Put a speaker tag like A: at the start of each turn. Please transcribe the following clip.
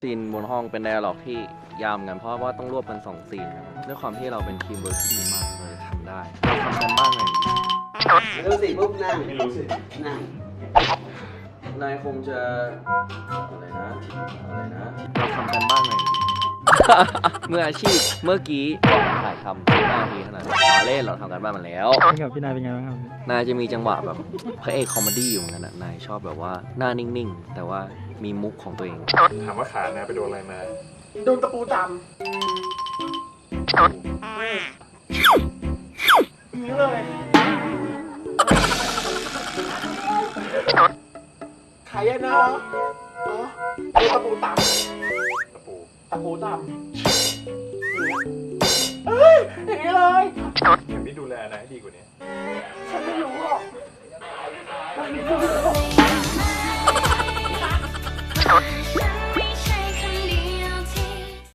A: ซีนบนห้องเป็นไดอะล็อกที่ยาวกันเพราะว่าต้องรวบกัน2ซีนด้วยความที่เราเป็นทีมเวิร์คที่ดีมากเราจะทำได้เราทำกันบ้างไง
B: ไม่รู้สิปุ๊บนั่งไม่รู้สินั่ง
A: นายคงจะอะไรนะเราทำกันบ้างไง เมื่ออาชีพเมื่อกี้ถ่ายทำ5 นาทีเท่านั้นเล่นเราทำกันบ้านมาแล้ว
C: พี่นายเป็นไงบ้างครับ
A: นายจะมีจังหวะแบบพระเอกคอมเมดี้อยู่เหมือนกันนายชอบแบบว่าหน้านิ่งๆแต่ว่ามีมุกของตัวเอง
D: ถามว่าขาแนไปโดนอะไรมา
B: โดนตะปูตำนี่เลยขายนะอ๋อโดนตะปูตำ
D: ตะปู
B: ตะปูตำเฮ้ยอย่างนี้เลย
D: เดี๋ยวพี่ดูแลนายให้ดีกว่านี้
B: ฉันไม่รู้หรอกมันมีผู้